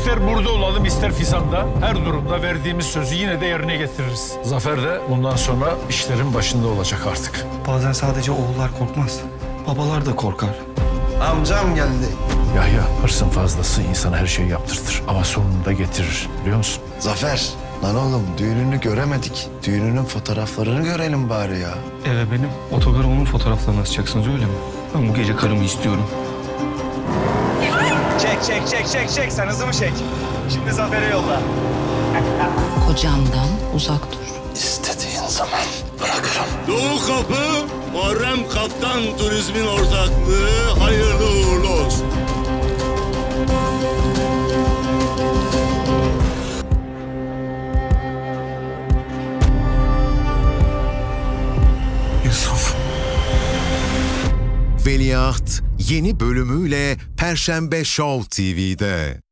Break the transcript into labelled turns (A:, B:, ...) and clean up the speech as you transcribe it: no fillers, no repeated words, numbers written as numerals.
A: İster burada olalım ister Fizan'da her durumda verdiğimiz sözü yine de yerine getiririz. Zafer de bundan sonra işlerin başında olacak artık.
B: Bazen sadece oğullar korkmaz. Babalar da korkar.
C: Amcam geldi.
A: Yahya, hırsın fazlası insana her şeyi yaptırtır ama sonunda getirir, biliyor musun?
C: Zafer. Lan oğlum düğününü göremedik. Düğününün fotoğraflarını görelim bari ya.
B: Eve benim otogara onun fotoğraflarını asacaksınız öyle mi? Ben bu gece karımı istiyorum.
D: Çek. Sen hızımı çek. Şimdi Zafer'e yolla.
E: Kocamdan uzak dur.
C: İstediğin zaman bırakırım.
F: Doğu Kapı, Muharrem Kaptan Turizm'in ortaklığı hayırlı uğurlu olsun.
B: Yusuf.
G: Veliaht yeni bölümüyle Perşembe Show TV'de.